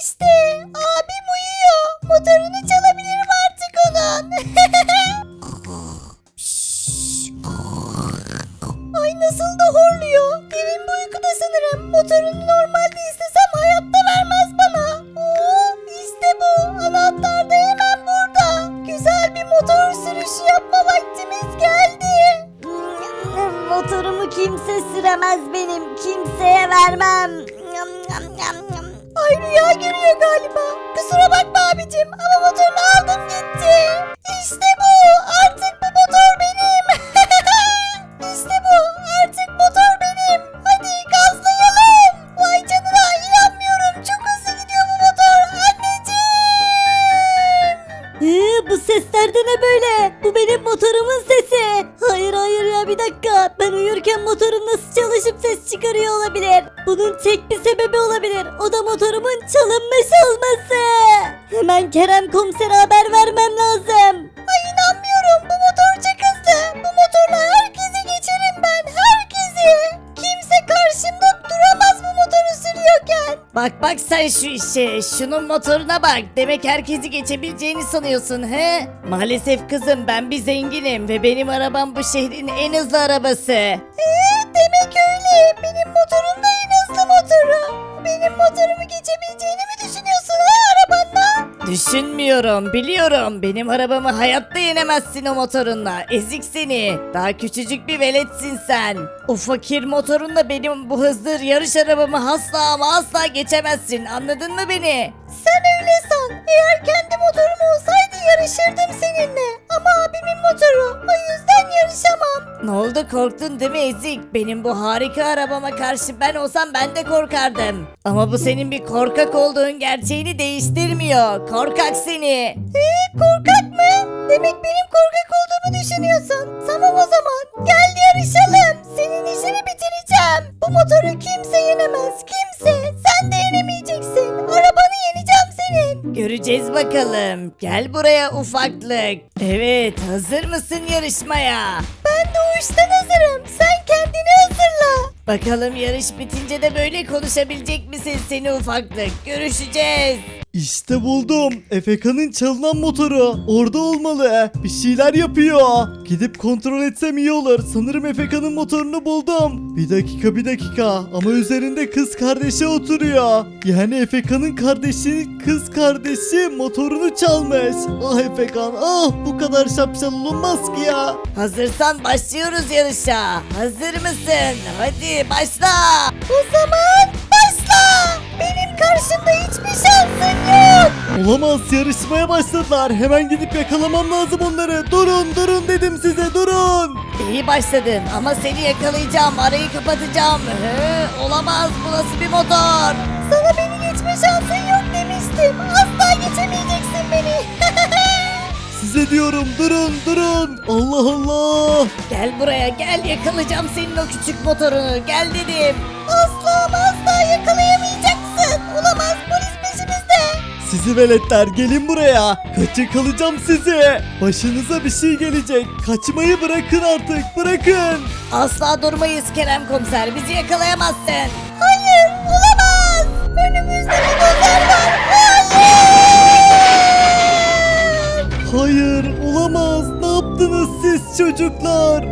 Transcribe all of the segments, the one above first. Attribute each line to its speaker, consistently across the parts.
Speaker 1: işte. Abim uyuyor. Motorunu çalabilirim artık onun. Ay nasıl da horluyor. Derin bir uykuda sanırım. Motorunu normalde istesem hayatta vermez bana. Oo, işte bu. Anahtar da hemen burada. Güzel bir motor sürüşü yapma vaktimiz geldi. Motorumu kimse süremez benim. Kimseye vermem. Ay rüya görüyor galiba. Kusura bakma abicim ama motorunu aldım gitti. İşte bu. Artık bu motor benim. İşte bu. Artık motor benim. Hadi gazlayalım. Vay canına inanmıyorum. Çok hızlı gidiyor bu motor. Anneciğim. Bu sesler de ne böyle? Bu benim motorumun sesi. Hayır ya bir dakika. Ben uyurken motorum nasıl çalışıp ses çıkarıyor olabilir? Bunun tek bir sebebi olabilir. O da motorumun çalınmış olması. Hemen Kerem komisere haber vermem lazım. Ay inanmıyorum. Bu motor çok hızlı. Bu motorla herkesi geçerim ben. Herkesi. Kimse karşımda duramaz bu motoru sürüyorken.
Speaker 2: Bak sen şu işe. Şunun motoruna bak. Demek herkesi geçebileceğini sanıyorsun he? Maalesef kızım ben bir zenginim ve benim arabam bu şehrin en hızlı arabası.
Speaker 1: Demek öyle. Benim motorum da en hızlı motoru. Benim motorumu geçebileceğini mi düşünüyorsun arabanla?
Speaker 2: Düşünmüyorum, biliyorum. Benim arabamı hayatta yenemezsin o motorunla. Ezik seni. Daha küçücük bir veletsin sen. O fakir motorunla benim bu hızlı yarış arabamı asla ama asla geçemezsin. Anladın mı beni?
Speaker 1: Sen öyle san. Eğer kendi motorum olsaydı yarışırdım seninle. Ama abimin motoru. O yüzden yarışamam.
Speaker 2: Ne oldu korktun değil mi Ezik? Benim bu harika arabama karşı ben olsam ben de korkardım. Ama bu senin bir korkak olduğun gerçeğini değiştirmiyor. Korkak seni.
Speaker 1: Korkak mı? Demek benim korkak olduğumu düşünüyorsun. Tamam o zaman. Gel yarışalım. Senin işini bitireceğim. Bu motoru kimse yenemez. Kimse. Sen de yenemeyeceksin. Arabanı yeneceğim senin.
Speaker 2: Göreceğiz bakalım. Gel buraya ufaklık. Evet, hazır mısın yarışmaya?
Speaker 1: Ben doğuştan hazırım. Sen kendini hazırla.
Speaker 2: Bakalım yarış bitince de böyle konuşabilecek misin seni ufaklık? Görüşeceğiz.
Speaker 3: İşte buldum. Efeka'nın çalınan motoru. Orada olmalı. Bir şeyler yapıyor. Gidip kontrol etsem iyi olur. Sanırım Efeka'nın motorunu buldum. Bir dakika. Ama üzerinde kız kardeşi oturuyor. Yani Efeka'nın kız kardeşi motorunu çalmış. Ah Efekan bu kadar şapşal olunmaz ki ya.
Speaker 2: Hazırsan başlıyoruz yarışa. Hazır mısın? Hadi başla.
Speaker 1: O zaman başla. Benim karşımda hiçbir şansın yok.
Speaker 3: Olamaz, yarışmaya başladılar. Hemen gidip yakalamam lazım onları. Durun dedim size, durun.
Speaker 2: İyi başladın ama seni yakalayacağım. Arayı kapatacağım. Olamaz, bu nasıl bir motor?
Speaker 1: Sana beni geçme şansın yok demiştim. Asla geçemeyeceksin beni.
Speaker 3: Size diyorum, durun. Allah Allah.
Speaker 2: Gel buraya gel, yakalayacağım senin o küçük motorunu. Gel dedim.
Speaker 1: Asla ama asla yakalayamayacaksın. Olamaz, polis peşimizde.
Speaker 3: Sizi veletler, gelin buraya. Kalacağım sizi. Başınıza bir şey gelecek. Kaçmayı bırakın artık, bırakın.
Speaker 2: Asla durmayız Kerem komiser. Bizi yakalayamazsın.
Speaker 1: Hayır, olamaz. Önümüzde bir dozer var.
Speaker 3: Hayır, olamaz. Ne yaptınız siz çocuklar?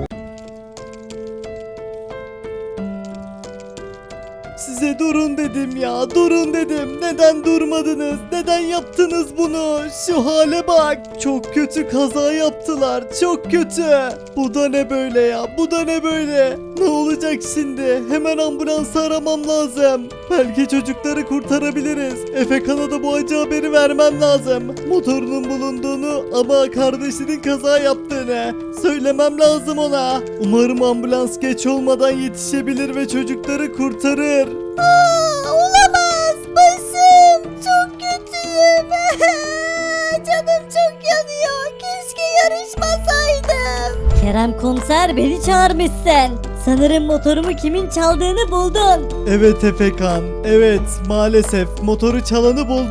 Speaker 3: Size durun dedim ya, durun dedim. Neden durmadınız? Neden yaptınız bunu? Şu hale bak. Çok kötü kaza yaptılar, çok kötü. Bu da ne böyle ya? Bu da ne böyle? Ne olacak şimdi? Hemen ambulansı aramam lazım. Belki çocukları kurtarabiliriz. Efekan'a da bu acı haberi vermem lazım. Motorunun bulunduğunu ama kardeşinin kaza yaptığını söylemem lazım ona. Umarım ambulans geç olmadan yetişebilir ve çocukları kurtarır.
Speaker 1: Olamaz. Başım çok kötüyüm. Canım çok yanıyor. Keşke yarışmasaydım. Kerem komiser beni çağırmışsın. Sanırım motorumu kimin çaldığını buldun.
Speaker 3: Evet Efekan, evet maalesef motoru çalanı buldum.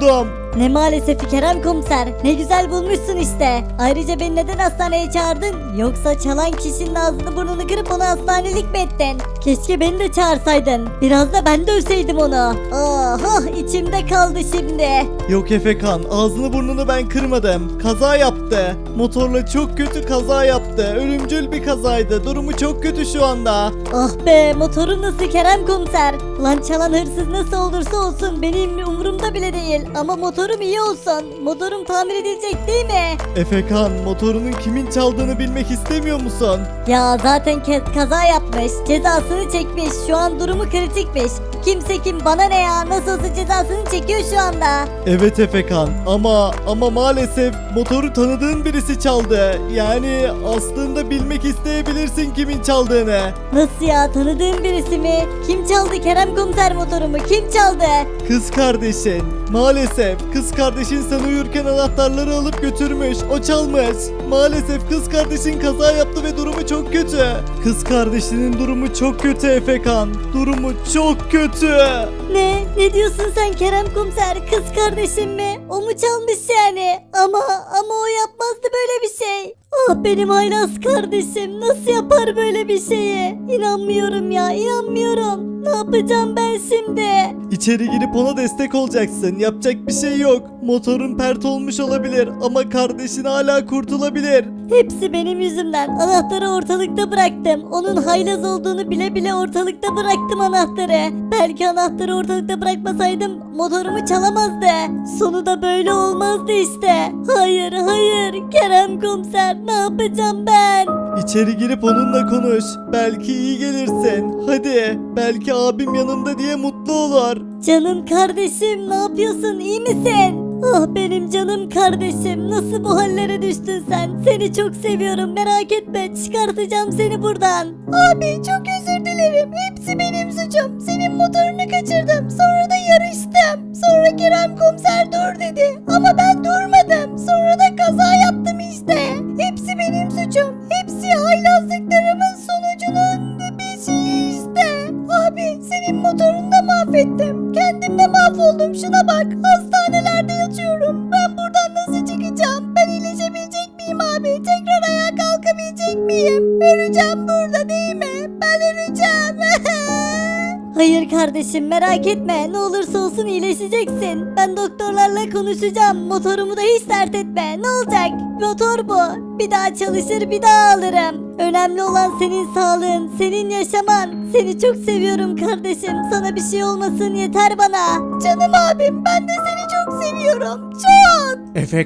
Speaker 1: Ne maalesef Kerem komiser. Ne güzel bulmuşsun işte. Ayrıca beni neden hastaneye çağırdın? Yoksa çalan kişinin ağzını burnunu kırıp onu hastanelik mi ettin? Keşke beni de çağırsaydın. Biraz da ben dövseydim onu. Oh içimde kaldı şimdi.
Speaker 3: Yok Efekan, ağzını burnunu ben kırmadım. Kaza yaptı. Motorla çok kötü kaza yaptı. Ölümcül bir kazaydı. Durumu çok kötü şu anda.
Speaker 1: Ah be, motorun nasıl Kerem komiser? Lan çalan hırsız nasıl olursa olsun benim umurumda bile değil. Ama motorum iyi olsun. Motorum tamir edilecek değil mi?
Speaker 3: Efekan, motorunun kimin çaldığını bilmek istemiyor musun?
Speaker 1: Ya zaten kaza yapmış. Cezasını çekmiş. Şu an durumu kritikmiş. Kimse kim, bana ne ya? Nasıl olsa cezasını çekiyor şu anda.
Speaker 3: Evet Efekan, ama maalesef motoru tanıdığın birisi çaldı. Yani aslında bilmek isteyebilirsin kimin çaldığını.
Speaker 1: Nasıl ya, tanıdığım birisi mi? Kim çaldı Kerem komiser motorumu? Kim çaldı?
Speaker 3: Kız kardeşin. Maalesef kız kardeşin sen uyurken anahtarları alıp götürmüş. O çalmış. Maalesef kız kardeşin kaza yaptı ve durumu çok kötü. Kız kardeşinin durumu çok kötü Efekan. Durumu çok kötü.
Speaker 1: Ne diyorsun sen Kerem komiser? Kız kardeşim mi? O mu çalmış yani? Ama o yapmazdı böyle bir şey. Ah benim haylaz kardeşim nasıl yapar böyle bir şeyi? İnanmıyorum ya, inanmıyorum. Ne yapacağım ben şimdi?
Speaker 3: İçeri girip ona destek olacaksın. Yapacak bir şey yok. Motorun pert olmuş olabilir ama kardeşin hala kurtulabilir.
Speaker 1: Hepsi benim yüzümden. Anahtarı ortalıkta bıraktım. Onun haylaz olduğunu bile bile ortalıkta bıraktım anahtarı. Belki anahtarı ortalıkta bırakmasaydım motorumu çalamazdı. Sonu da böyle olmazdı işte. Hayır Kerem komiser, ne yapacağım ben?
Speaker 3: İçeri girip onunla konuş. Belki iyi gelirsin. Hadi. Belki abim yanında diye mutlu olur.
Speaker 1: Canım kardeşim, ne yapıyorsun, iyi misin? Ah benim canım kardeşim, nasıl bu hallere düştün sen? Seni çok seviyorum, merak etme, çıkartacağım seni buradan. Abi çok özür dilerim, hepsi benim suçum. Senin motorunu kaçırdım, sonra da yarıştım. Sonra Kerem komiser dur dedi ama ben durmadım. Sonra da kaza yaptım işte. Hepsi benim suçum, hepsi haylazlıklarımın sonucunun bir şeyi işte. Abi senin motorunu da mahvettim. Kendim de mahvoldum, şuna bak. Hastanelerde yatıyorum. Ben buradan nasıl çıkacağım? Ben iyileşebilecek miyim abi? Tekrar ayağa kalkabilecek miyim? Öleceğim burada değil mi? Ben öleceğim. Hayır kardeşim, merak etme. Ne olursa olsun iyileşeceksin. Ben doktorlarla konuşacağım. Motorumu da hiç dert etme. Ne olacak? Motor bu. Bir daha çalışır, bir daha alırım. Önemli olan senin sağlığın, senin yaşaman. Seni çok seviyorum kardeşim. Sana bir şey olmasın yeter bana. Canım abim, ben de seni çok seviyorum. Çok.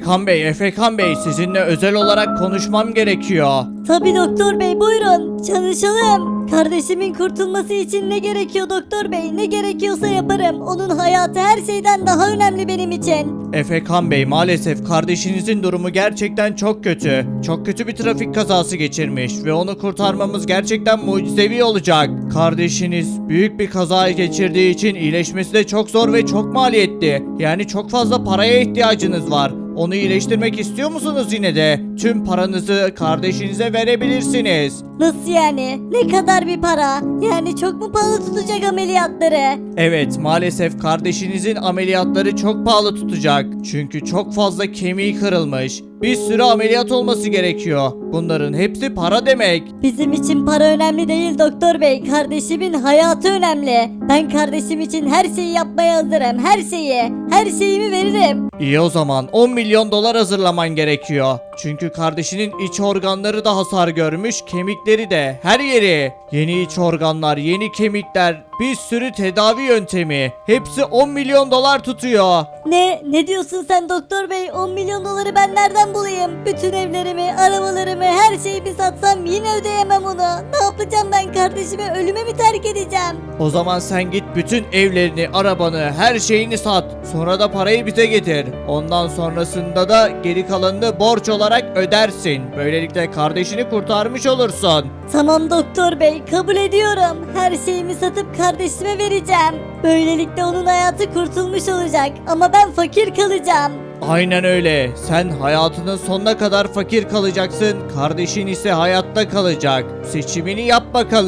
Speaker 2: Efekan Bey sizinle özel olarak konuşmam gerekiyor.
Speaker 1: Tabii doktor bey, buyurun. Çalışalım. Kardeşimin kurtulması için ne gerekiyor doktor bey? Ne gerekiyorsa yaparım. Onun hayatı her şeyden daha önemli benim için.
Speaker 2: Efekan Bey maalesef kardeşinizin durumu gerçekten çok kötü. Çok kötü bir trafik kazası geçirmiş ve onu kurtarmamız gerçekten mucizevi olacak. Kardeşiniz büyük bir kaza geçirdiği için iyileşmesi de çok zor ve çok maliyetli. Yani çok fazla paraya ihtiyacınız var. Onu iyileştirmek istiyor musunuz yine de? Tüm paranızı kardeşinize verebilirsiniz.
Speaker 1: Nasıl yani? Ne kadar bir para? Yani çok mu pahalı tutacak ameliyatları?
Speaker 2: Evet, maalesef kardeşinizin ameliyatları çok pahalı tutacak. Çünkü çok fazla kemiği kırılmış. Bir sürü ameliyat olması gerekiyor. Bunların hepsi para demek.
Speaker 1: Bizim için para önemli değil doktor bey. Kardeşimin hayatı önemli. Ben kardeşim için her şeyi yapmaya hazırım. Her şeyi. Her şeyimi veririm.
Speaker 2: İyi o zaman 10 milyon dolar hazırlaman gerekiyor. Çünkü kardeşinin iç organları da hasar görmüş, kemikleri de, her yeri. Yeni iç organlar, yeni kemikler, bir sürü tedavi yöntemi. Hepsi 10 milyon dolar tutuyor.
Speaker 1: Ne diyorsun sen doktor bey? 10 milyon doları ben nereden bulayım? Bütün evlerimi, arabalarımı, her şeyi satsam yine ödeyemem onu. Ne yapacağım ben, kardeşimi ölüme mi terk edeceğim?
Speaker 2: O zaman sen git bütün evlerini, arabanı, her şeyini sat. Sonra da parayı bize getir. Ondan sonrasında da geri kalanını borç olarak ödersin. Böylelikle kardeşini kurtarmış olursun.
Speaker 1: Tamam doktor bey, kabul ediyorum. Her şeyimi satıp kardeşime vereceğim. Böylelikle onun hayatı kurtulmuş olacak ama ben fakir kalacağım.
Speaker 2: Aynen öyle. Sen hayatının sonuna kadar fakir kalacaksın. Kardeşin ise hayatta kalacak. Seçimini yap bakalım.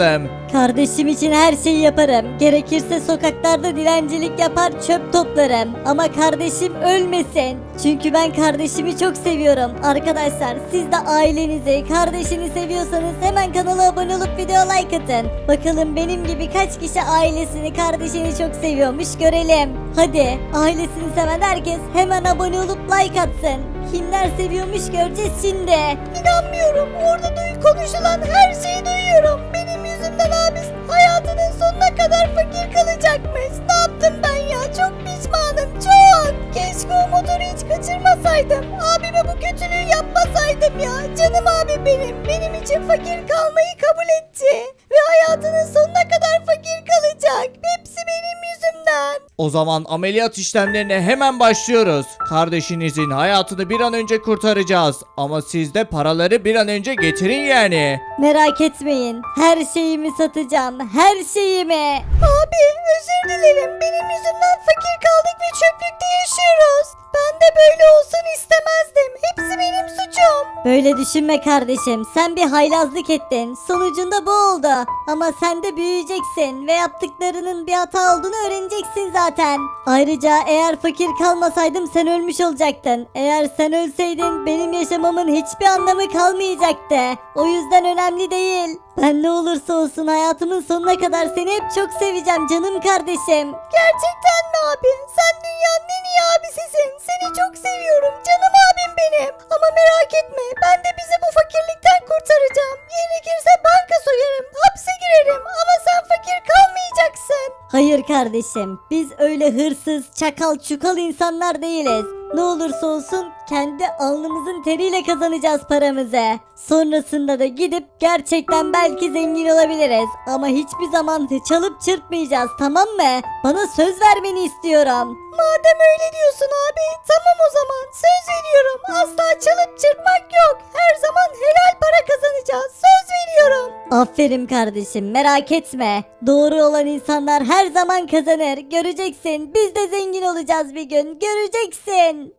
Speaker 1: Kardeşim için her şeyi yaparım. Gerekirse sokaklarda dilencilik yapar, çöp toplarım. Ama kardeşim ölmesin. Çünkü ben kardeşimi çok seviyorum. Arkadaşlar siz de ailenizi, kardeşini seviyorsanız hemen kanala abone olup video like atın. Bakalım benim gibi kaç kişi ailesini, kardeşini çok seviyormuş görelim. Hadi ailesini seven herkes hemen abone olup like atsın. Kimler seviyormuş göreceğiz şimdi. İnanmıyorum. Orada konuşulan her şeyi duyuyorum. Benim yüzümden abis hayatının sonuna kadar fakir kalacakmış. Ne yaptım ben ya? Çok pişmanım. Çok. Keşke o motoru hiç kaçırmasaydım. Abime bu kötülüğü yapmasaydım ya. Canım abim benim. Benim için fakir kalmayı kabul etti. Ve hayatının sonuna kadar fakir kalacak. Hepsi benim yüzümden.
Speaker 3: O zaman ameliyat işlemlerine hemen başlıyoruz. Kardeşinizin hayatını bir an önce kurtaracağız. Ama siz de paraları bir an önce getirin yani.
Speaker 1: Merak etmeyin. Her şeyimi satacağım. Her şeyimi. Abi özür dilerim. Benim yüzümden fakir kaldık ve çöplükte yaşıyoruz. Ben de böyle olsun istemezdim. Hepsi benim suçum. Böyle düşünme kardeşim. Sen bir haylazlık ettin. Sonucunda bu oldu. Ama sen de büyüyeceksin ve yaptıklarının bir hata olduğunu öğreneceksin zaten. Ayrıca eğer fakir kalmasaydım sen ölmüş olacaktın. Eğer sen ölseydin benim yaşamamın hiçbir anlamı kalmayacaktı. O yüzden önemli değil. Ben ne olursa olsun hayatımın sonuna kadar seni hep çok seveceğim canım kardeşim. Gerçekten mi abi? Sen dünyanın en iyi abisisin. Seni çok seviyorum canım abim benim. Ama merak etme ben de bizi bu fakirlikten kurtaracağım. Gerekirse banka soyarım, hapse girerim ama sen fakir kalmayacaksın. Hayır kardeşim biz öyle hırsız, çakal, çukal insanlar değiliz. Ne olursa olsun kendi alnımızın teriyle kazanacağız paramızı. Sonrasında da gidip gerçekten belki zengin olabiliriz. Ama hiçbir zaman çalıp çırpmayacağız tamam mı? Bana söz vermeni istiyorum. Madem öyle diyorsun abi tamam o zaman söz veriyorum. Asla çalıp çırpmak yok. Her zaman helal para kazanacağız. Söz veriyorum. Aferin kardeşim merak etme. Doğru olan insanlar her zaman kazanır. Göreceksin biz de zengin olacağız bir gün. Göreceksin.